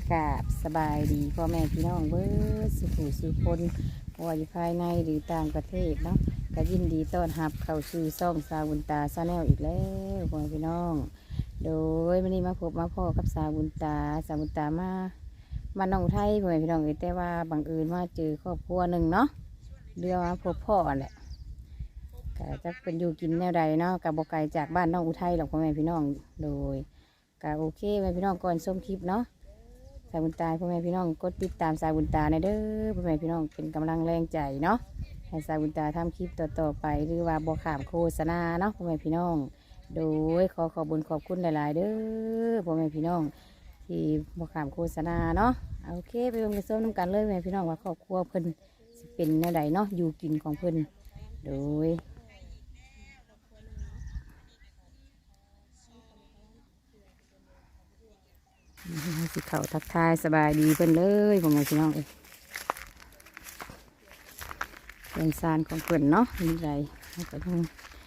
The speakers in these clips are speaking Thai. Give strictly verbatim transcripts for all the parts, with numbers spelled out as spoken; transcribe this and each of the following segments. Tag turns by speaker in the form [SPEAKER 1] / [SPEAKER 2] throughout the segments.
[SPEAKER 1] กราบสบายดีพ่อแม่พี่น้องเบิดสุขุสุคนว่าอยู่ภายในหรือต่างประเทศเนาะก็ยินดีต้อนรับเข้าสู่ซ่องสาวบุญตาซาแนลอีกแล้วพ่อแม่พี่น้อง โดยวันนี้มาพบมาพ่อกับสาวบุญตาสาวบุญตามาบ้านน้องไทยพ่อแม่พี่น้องเอ้ยแต่ว่าบังเอิญมาเจอครอบครัวหนึ่งเนาะเรือมาพบพ่อแหละก็จะเป็นอยู่กินแนวใดเนาะกับบกไก่จากบ้านน้องอุทัยหรอกพ่อแม่พี่น้องโดยก็โอเคพ่อแม่พี่น้องก่อนชมคลิปเนาะสายบุญตาพ่อแม่พี่น้องกดติดตามสายบุญตาในเด้อพ่อแม่พี่น้องเป็นกำลังแรงใจเนาะให้สายบุญตาทำคลิปต่อๆไปหรือว่าบกขามโฆษณาเนาะพ่อแม่พี่น้องโดยขอขอบุญขอบคุณหลายๆเด้อพ่อแม่พี่น้องที่บกขามโฆษณาเนาะโอเคไปลงกระส้มน้ำกันเลยพ่อแม่พี่น้องว่าครอบครัวเพิ่นสิเป็นแนวใดเนาะอยู่กินของเพิ่นโดยสิเขาทักทายสบายดีเพิ่นเลยพ่อแม่พี่น้องเอ้ยเป็นซานของเพิ่นเนาะมีไรก็ต้อง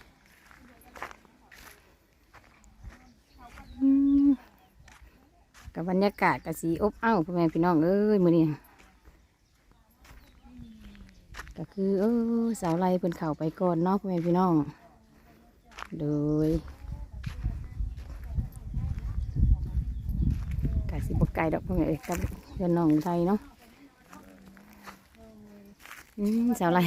[SPEAKER 1] กับบรรยากาศกับสีอบอ้าวพ่อแม่พี่น้องเอ้ยมื้อนี้ก็คือเออสาวไล่เพิ่นเข่าไปก่อนเนาะพ่อแม่พี่น้องโดยกะสิบกไก่ดอกพ่อแม่เอ้ยกับเพื่อนน้องไทยเนาะอืมสาวไล่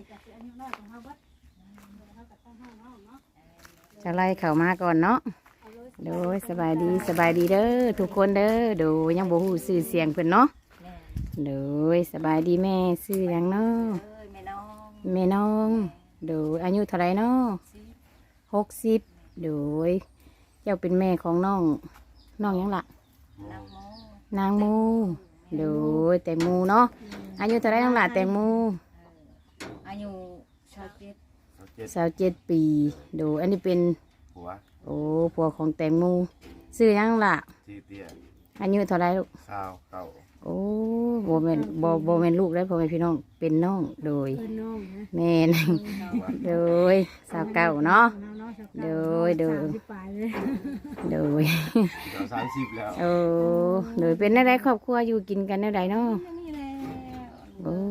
[SPEAKER 1] สาวไล่เข่ามาก่อนเนาะโดยสบายดีสบายดีเด้อทุกคนเด้อโดยยังบ่ฮู้ชื่อเสียงเพิ่นเนาะโดยสบายดีแม่ชื่อหยังเนาะแม่น้องโดยอายุเท่าไรเนาะหกสิบโดยเจ้าเป็นแม่ของน้องน้องหยังล่ะนางมูโดยแตงมูเนาะอายุเท่าไรน้องล่ะแตงมู
[SPEAKER 2] อายุชาวเจ็ด
[SPEAKER 1] สาวเจ็ดปีโดยอันนี้เป็น
[SPEAKER 3] ผัว
[SPEAKER 1] โอ้ผัวของแตงมูชื่อหยังล่ะ
[SPEAKER 3] ทีเตีย
[SPEAKER 1] อายุเท่าไรลูก
[SPEAKER 3] สาวเก่า
[SPEAKER 1] โอ้โบเมนโบโบเมนลูกได้พ่อแม่พี่น้องเป็นน้องโดยแม่นโดยสาวเก่าเนาะโดยโดยโดย
[SPEAKER 3] สามสิบแล้ว
[SPEAKER 1] โอ้โดยเป็นอะไรครอบครัวอยู่กินกันได้เนาะโอ้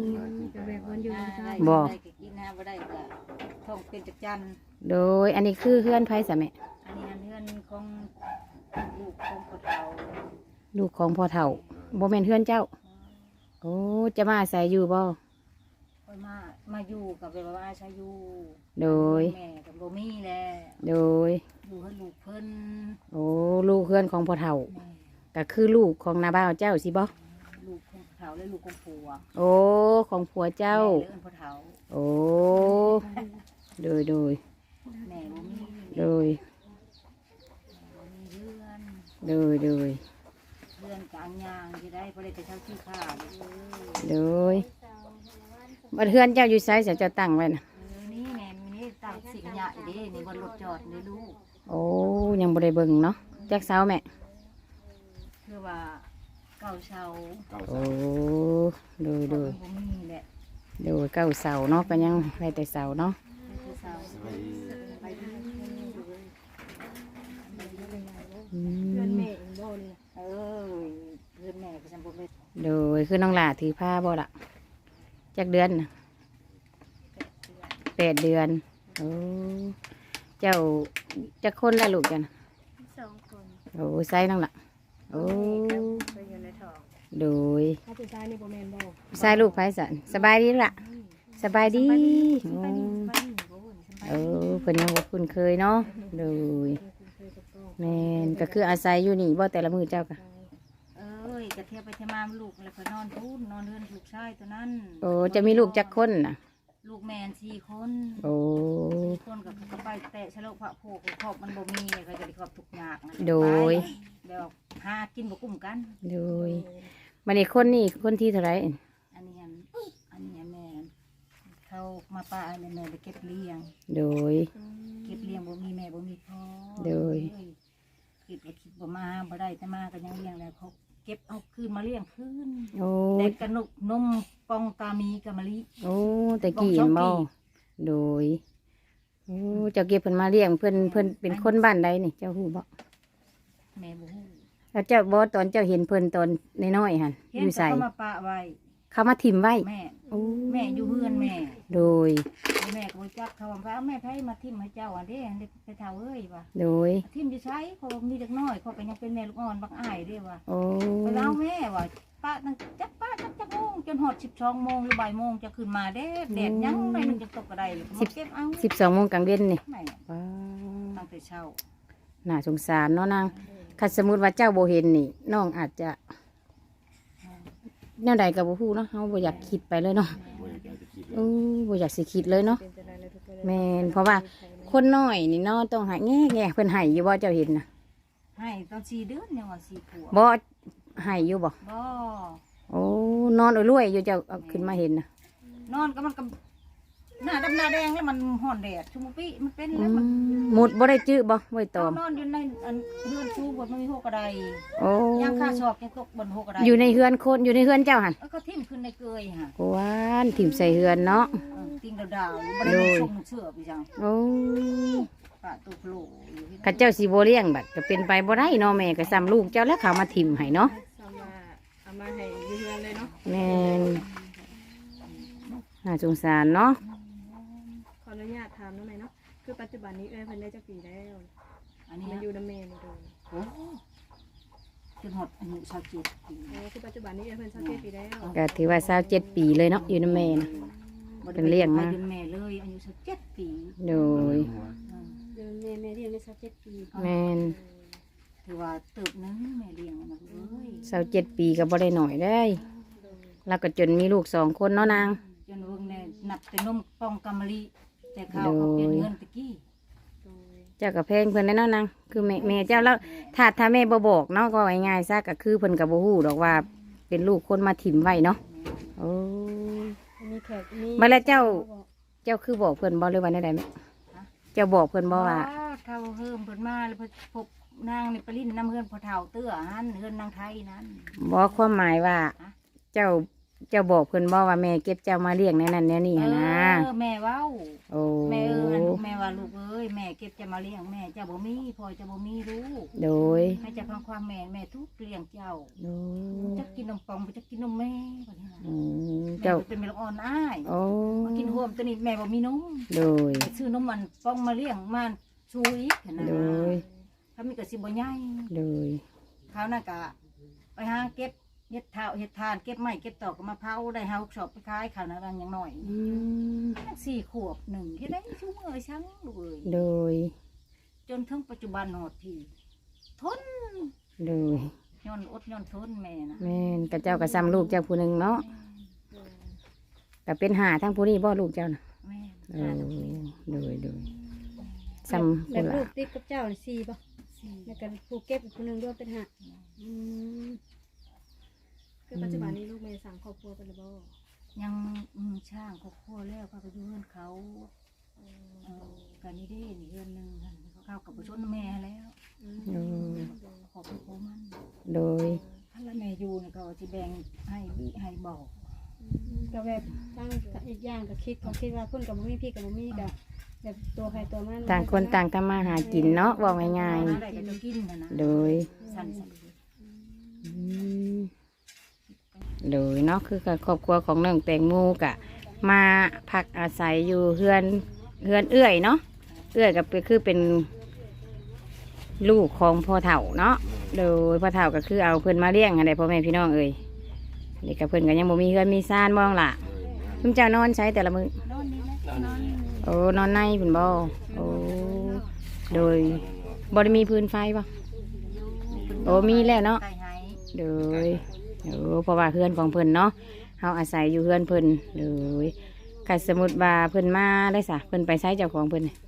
[SPEAKER 1] บอก
[SPEAKER 2] กินน้ำบ่ได้ก็ท้องเป็นจักจัน
[SPEAKER 1] โดยอันนี้คือเพื่อนไผ่สะแม่
[SPEAKER 2] อันนี้เพื่อนของลูกของพ่อเฒ่า
[SPEAKER 1] ลูกของพ่อเฒ่าโบเมนเพื่อนเจ้าโอ้จะมาอาศัยอยู่บ่
[SPEAKER 2] ค่อยมามาอยู่กับเวลาว่าใช้อยู่
[SPEAKER 1] โดย
[SPEAKER 2] แม่กับโบมี่แหละ
[SPEAKER 1] โดย
[SPEAKER 2] อยู่ให้ลูกเพิ่น
[SPEAKER 1] โอ้ลูกเพื่อนของพ่อเฒ่าก็คือลูกของนาบ่าวเจ้าสิบ่
[SPEAKER 2] ลูกของพ่อเฒ่าและลูกของผัว
[SPEAKER 1] โอ้ของผัวเจ้า
[SPEAKER 2] เลี้ยงพ่อเฒ่า
[SPEAKER 1] โอ้โดยโดย
[SPEAKER 2] แม่โบมี่
[SPEAKER 1] โดยโดยโดย
[SPEAKER 2] เพื่อนกลางยางจะได้พอได้ไปเช่าที่ข้าว
[SPEAKER 1] โดยบัดเพื่อนเจ้าอยู่ไซส์เจ้าตั้งไว้นะ
[SPEAKER 2] นี่แม่นี่ตั้งสิ่งใหญ่ดินี่บนรถจอดนี่ลูก
[SPEAKER 1] โอ้ยังบ่ได้เบิ่งเนาะแจ็คเสาแม่
[SPEAKER 2] คือว่าเก่าเสา
[SPEAKER 1] โอ้โดยโดย
[SPEAKER 2] แหละ
[SPEAKER 1] โดยเก้าเสาเนาะก็ยังได้แต่เสาเนาะโดยคือน้องหลาถือผ้าบ่ล่ะจักเดือนนะแปดเดือนโอ้เจ้าจักคนละลูกกัน
[SPEAKER 2] สองคน
[SPEAKER 1] โอ้ไซน้องล่ะโอ้โดยไซลูกไฟสันสบายดีล่ะสบายดีเออเพิ่นยังบ่คุ้นเคยเนาะโดยแม่นก็คืออาศัยอยู่นี่บ่แต่ละมื้อเจ้าก็
[SPEAKER 2] จะเที่ยวไปเที่ยวมาลูกแล้วก็นอนพูดนอนเรือนลูกชายตัวนั้น
[SPEAKER 1] โอ้จะมีลูกจักคนน่ะ
[SPEAKER 2] ลูกแมนสี่คน
[SPEAKER 1] โอ้
[SPEAKER 2] สี่คนกับเขาไปแต่ชะโลกพระโพกขอบมันบ่มีเขาจะได้ขอบทุกอย่าง
[SPEAKER 1] โดย
[SPEAKER 2] เดี๋ยวหากินบ่กุ้มกัน
[SPEAKER 1] โดยมันนี่คนนี่คนที่เท่าไร
[SPEAKER 2] อันนี้อันนี้แม่เขามาป้าแม่แม่ไปเก็บเลี้ยง
[SPEAKER 1] โดย
[SPEAKER 2] เก็บเลี้ยงบ่มีแม่บ่มีพ่อ
[SPEAKER 1] โดย
[SPEAKER 2] คิดว่าคิดบ่มาบ่ได้แต่มาก็ยังเลี้ยงแล้วเขาเก็บเอาคืนมาเลี้ยงคืนเด็กกระนุกนมปองตามีกะมะลิ
[SPEAKER 1] โอ้แต่กี่บ่โดยโอ้เจ้าเก็บเพิ่นมาเลี้ยงเพิ่นเพิ่นเป็นคนบ้านใดนี่เจ้าฮู้บ่
[SPEAKER 2] แม่บ่ฮู้
[SPEAKER 1] แล้วเจ้าบ่ตอนเจ้าเห็นเพิ่นตอนน้อยๆหั่น
[SPEAKER 2] เห็
[SPEAKER 1] อน ยู่
[SPEAKER 2] แต่
[SPEAKER 1] ใส่
[SPEAKER 2] เขามาปะไว้
[SPEAKER 1] เขามาถิ่มไว้
[SPEAKER 2] แม่
[SPEAKER 1] โอ้
[SPEAKER 2] แม่อยู่เฮือนแม่
[SPEAKER 1] โดย
[SPEAKER 2] แม่ก็บ่จักเขาว่าแม่ไผมาทิ่มให้เจ้าอันเด้อันเด้ไปเฒ่าเอ้ยว่า
[SPEAKER 1] โดย
[SPEAKER 2] ทิ่มอยู่ไสเขาบอกมีเด็กน้อยเขาก็ยังเป็นแม่ลูกอ่อนบักอ้ายเด้ว่า
[SPEAKER 1] โอ้
[SPEAKER 2] ไปเอาแม่ว่าป้าตั้งจักป้าจักจักโมงจนฮอดสิบสองโมงหรือบ่ายโมงจะขึ้นมาเด้แดดยังหน่อยหนึงจะตกกระไดเลยก็มาเก็บเอา
[SPEAKER 1] สิบสองโมงกลางเว้นนี่
[SPEAKER 2] แม่
[SPEAKER 1] ว้า
[SPEAKER 2] ตั้งแต่เช้า
[SPEAKER 1] น่าสงสารเนาะนางคันสมมุติว่าเจ้าบ่เห็นนี่น้องอาจจะแนวใดก็บ่ฮู้เนาะเฮาบ่อยากคิดไปเลยเนาะ
[SPEAKER 3] บ่อยากจะคิดเล
[SPEAKER 1] โอ้
[SPEAKER 3] ย
[SPEAKER 1] บ่อยากสิคิดเลยเนาะแม่นเพราะว่าคนน้อยนี่เนาะต้องหาแง่แง่เพิ่นให้อยู่บ่เจ้าเห็นน่ะ
[SPEAKER 2] ให้ตอนสี่เดือนยังว่าสี่ขวบ
[SPEAKER 1] บ่ให้อยู่บ่
[SPEAKER 2] บ่
[SPEAKER 1] โอ้นอนรวยๆอยู่เจ้าเอาขึ้นมาเห็นน่ะ
[SPEAKER 2] นอนก็มันก็หน้าดำหน้าแดงแล้วมันห่อนแดดชุมปีมันเป็น
[SPEAKER 1] อื
[SPEAKER 2] แล้วมัน
[SPEAKER 1] มหมุดบ่ได้จื้อบ่ไว้ตอม
[SPEAKER 2] นอนอยู่ในอันเรือนชูบนมันมีหกกระได
[SPEAKER 1] โอ้
[SPEAKER 2] ย่างข้าชอบยังตกบนหกกระได
[SPEAKER 1] อยู่ในเฮือนคนอยู่ในเฮือนเจ้าหั่น
[SPEAKER 2] เออก็ทิ่มขึ้นในเกยฮะ
[SPEAKER 1] กวานถิ่มใส่เฮือนเนาะ
[SPEAKER 2] เออติงดาวๆบ่ได้มีชมเชื่อพี่จัง
[SPEAKER 1] โอ้
[SPEAKER 2] ปะตุกโลอยู่ที่
[SPEAKER 1] ข้าเจ้าสิบ่เลี้ยงบัดก็เป็นไปบ่ได้เนาะแม่ก็ซ้ำลูกเจ้าแล้วเขามาถิ่มให้เนาะ
[SPEAKER 4] เอามาเอามาให้อยืนเลยเนาะ
[SPEAKER 1] แม่นน่าสงสารเนาะ
[SPEAKER 4] ขออนุญาตถามน้องหน่อยเนาะคือปัจจุบันนี้เอ้ยเพิ่นได้จักปีแล้ว
[SPEAKER 2] อันนี้
[SPEAKER 4] มา
[SPEAKER 2] นะ
[SPEAKER 4] อยู่น้ำเมนโดย
[SPEAKER 2] โอ้จนหดอายุชาวจีน
[SPEAKER 4] เออคือปัจจุบันนี้เอ้ยเพิ่นสักเกตปีแล้ว
[SPEAKER 1] ก็ถือว่าสาวเจ็ดปีเลยเนาะอยู่นำแม่นะ เป็นเลี้ยงมา
[SPEAKER 2] เป็นแม่เลยอายุชาวเจ็ดปี
[SPEAKER 1] โดย
[SPEAKER 4] เดือนแม่แม่เรียนได้สักเจ็ดปี
[SPEAKER 1] แม่น
[SPEAKER 2] ถือว่าเติบนึงแม่เลี้ยงมันเลย
[SPEAKER 1] สาวเจ็ดปีก็บ่ได้หน่อยได้ แล้วก็จนมีลูกสองคนเนาะนาง
[SPEAKER 2] จนเบิ่งแน่นับแต่นมปองกำมะลิแต่ข้าวเขาเปลี่ยนเงินตะกี้
[SPEAKER 4] โดย
[SPEAKER 1] เจ้ากับเพลงเพิ่นได้เนาะนางคือแม่แม่เจ้าแล้วถ้าถ้าแม่บ่บอกเนาะก็ง่ายๆซะก็คือเพิ่นก็บ่ฮู้ดอกว่าเป็นลูกคนมาถิ่มไว้เนาะโอ้
[SPEAKER 4] มีแขกมี
[SPEAKER 1] มาแล้วเจ้า เจ้าคือบอกเพิ่นบ่หรือว่าได้ใดแม่เจ้าบอกเพิ่นบ่ว่า
[SPEAKER 2] เท่าเฮิมเพิ่นมาแล้วเพิ่นพบนางในปริ้นน้ำเฮือนพอเท่าเตื้อหันเฮือนนางไทยนั้น
[SPEAKER 1] บ่ความหมายว่า เจ้าเจ้าบอกเพิ่นบ่ว่าแม่เก็บเจ้ามาเลี้ยงแนวนั้นแนวนี้หั้นนะ
[SPEAKER 2] เออแม่เว้า
[SPEAKER 1] โอ้
[SPEAKER 2] แม่เอออันแม่ว่าลูกเอ้ยแม่เก็บจะมาเลี้ยงแม่เจ้าบ่มีพ่อเจะบ่มีลูก
[SPEAKER 1] โดย
[SPEAKER 2] ให้เจะฟังความแม่แม่ทุกเลี้ยงเจ้า
[SPEAKER 1] โดย
[SPEAKER 2] จะกินนมปองบ่จะกินนมแม่บ่นี่นะ
[SPEAKER 1] อืม
[SPEAKER 2] แม่
[SPEAKER 1] เจ้า
[SPEAKER 2] เป็นแม่ลูกอ่อนอ้าย
[SPEAKER 1] โอ้
[SPEAKER 2] มากินห่วมตัวนี้แม่บ่มีนม
[SPEAKER 1] โดย
[SPEAKER 2] ไปซื้อนมมันปองมาเลี้ยงมาชูอีกนะ
[SPEAKER 1] โดย
[SPEAKER 2] ถ้ามีก็สิบ่ใหญ่
[SPEAKER 1] โดย
[SPEAKER 2] คราวนั้นก็ไปหาเก็บเฮ็ดเท้าเฮ็ดทานเก็บไม้เก็บตอกก็มาเผาได้เฮาชอบไปขายข้าวนั้นบางอย่างน้อย
[SPEAKER 1] อืม
[SPEAKER 2] สี่ขวบหนึ่งที่ได้ชูมือช้างลูกเอ้ย
[SPEAKER 1] โดย
[SPEAKER 2] จนถึงปัจจุบันหอดที่ทน
[SPEAKER 1] โดย
[SPEAKER 2] ย้อนอดย้อนทนแม่นะ
[SPEAKER 1] แม่นกับเจ้ากับซ้ำลูกเจ้าผู้หนึ่งเนาะก็เป็นหาทั้งผู้นี้บ่ลูกเจ้าน่ะ
[SPEAKER 2] แม่
[SPEAKER 1] โอ้โดยโดยซ้ำ
[SPEAKER 4] แบ
[SPEAKER 1] ผู้
[SPEAKER 4] บ
[SPEAKER 1] ละ
[SPEAKER 4] ลูกติดกับเจ้านี่สี่ป่ะ
[SPEAKER 2] สี่
[SPEAKER 4] แล้วก็ผู้เก็บอีกคนหนึงด้วยเป็นห้าอืมคือปัจจุบันนี้ลูกแม่สั่งครอบครัวเป็นระบ่
[SPEAKER 2] ยังอืมช่างเขาคั่วแล้วเขาก็อยู่เฮือนเขาเออกันนี่เด้นี่เฮือนหนึงหั่นเขาเข้ากับผู้ชนแม่แล้ว
[SPEAKER 1] โดย
[SPEAKER 2] ขอบคุณมัน
[SPEAKER 1] โดย
[SPEAKER 2] ถ้าละแม่อยู่เนี่ยเขาจะแบ่งให้บิให้บอก
[SPEAKER 4] ก็แบบตั้งอีกอย่างก็คิดเขาคิดว่าเพิ่นกับบ่มีพี่กับบ่มีก็แบบตัวใครตัวมัน
[SPEAKER 1] ต่างคนต่างทำมาหากินเนาะว่าง่าย
[SPEAKER 2] หาได้ก็จะกินนะนะ
[SPEAKER 1] ๆโดย
[SPEAKER 2] สั่นสั่น
[SPEAKER 1] อืมโดยเนาะคือกับครอบครัวของน้องแตงโมกะ มาพักอาศัยอยู่เฮือนเฮือนเอื้อยเนาะเอื้อยก็คือเป็นลูกของพ่อเฒ่าเนาะโดยพ่อเฒ่าก็คือเอาเพิ่นมาเลี้ยงอะไรพ่อแม่พี่น้องเอ้ยนี่กับเพิ่นก็ยังบ่มีเฮือนมีซ่านบ้องล่ะคุณเจ้านอนใช้แต่ละมื้อน
[SPEAKER 2] อนนี่นะนอน
[SPEAKER 1] โอ้นอนในเพิ่นบ่โอ้โดยบ่ได้มีพื้นไฟบ่โอ้มีแล้วเนาะ
[SPEAKER 2] ไก่หาย
[SPEAKER 1] โดยโอ้เพราะว่าเฮือนของเพิ่นเนาะเฮาอาศัยอยู่เฮือนเพิ่นโดยคันสมมุติว่าเพิ่นมาได้ซะเพิ่นไปใช้เจ้าของเพิ่นน่ะ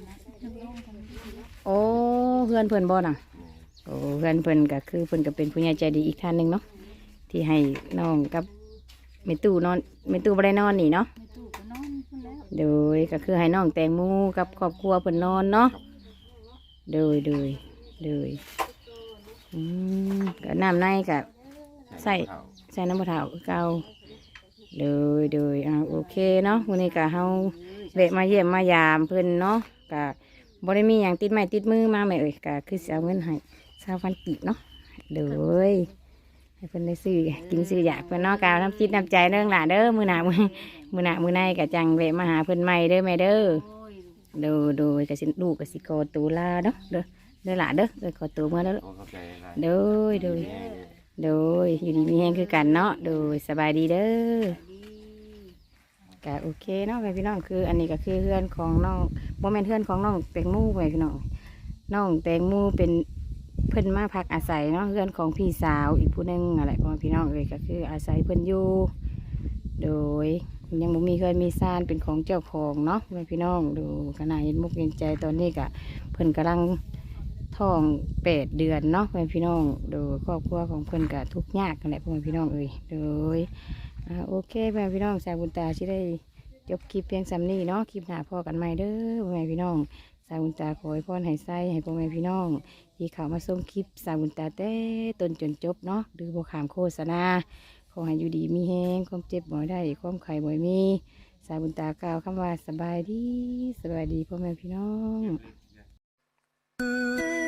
[SPEAKER 1] โอ้เฮือนเพิ่นบ่น่ะโอ้เฮือนเพิ่นก็คือเพิ่นก็เป็นผู้ใหญ่ใจดีอีกท่านหนึงเนาะที่ให้น้องกับแม่ตู้นอนแม่ตู้บ่ได้นอนนี่เนาะ
[SPEAKER 2] ในตู้ก็นอนพุ่นแล้ว
[SPEAKER 1] โดยก็คือให้น้องแตงโมกับครอบครัวเพิ่นนอนเนาะโดยโดยโดยอืมก็น้ำในก็ใส่ใส่น้ำมะพร้าวคือเก่าโดยโดยอ่าโอเคเนาะวันนี้ก็เฮาแวะมาเยี่ยมมายามเพิ่นเนาะก็บ่ได้มีหยังติดไม้ติดมือมาแม่เอ้ยก็คือสิเอาเงินให้ชาวพันกีบเนาะโดยให้เพิ่นได้ซื้อกินซื้ออยากเพิ่นเนาะกาวน้ำจิตน้ำใจเด้อหล่ะเด้อมื้อหน้ามื้อมื้อหน้ามื้อในก็จังแวะมาหาเพิ่นใหม่เด้อแม่เด้อ
[SPEAKER 2] โอ้ย
[SPEAKER 1] โดยโดยก็สิลูกก็สิขอตัวลาเนาะเด้อเด้อหล่ะเด้อเด้อขอตัวมาเด้อ
[SPEAKER 3] ขอเข้าใจอะไร
[SPEAKER 1] โดยโดยโดยอยู่ดีมีแฮงคือกันเนาะโดยสบายดีเด้อ
[SPEAKER 2] ดี
[SPEAKER 1] ก็โอเคเนาะแม่พี่น้องคืออันนี้ก็คือเพื่อนของน้องโมเมนเพื่อนของน้องแตงโมแม่พี่น้องน้องแตงโมเป็นเพิ่นมาพักอาศัยเนาะเพื่อนของพี่สาวอีกผู้หนึงอะไรพ่อพี่น้องเลยก็คืออาศัยเพิ่นอยู่โดยยังบ่มีเคยมีซานเป็นของเจ้าของเนาะแม่พี่น้องดูขนาดเห็นมุกเห็นใจตอนนี้ก็เพิ่นกำลังท้องแปดเดือนเนาะแม่พี่น้องโดยครอบครัวของเพิ่นก็ทุกข์ยากกันแหละพ่อแม่พี่น้องเอ้ยโดย อ่าโอเคแม่พี่น้องสาวบุญตาที่ได้จบคลิปเพียงสำนี้เนาะคลิปหน้าพอกันใหม่เด้อพ่อแม่พี่น้องสาวบุญตาขอให้พรให้ไส้ให้พ่อแม่พี่น้องที่เขามาส่งคลิปสาวบุญตาแต่ต้นจนจบเนาะหรือโบขามโฆษณาขอให้อยู่ดีมีแห้งความเจ็บบ่ได้ความไข่บ่มีสาวบุญตากล่าวคำว่าสบายดีสบายดีพ่อแม่พี่น้อง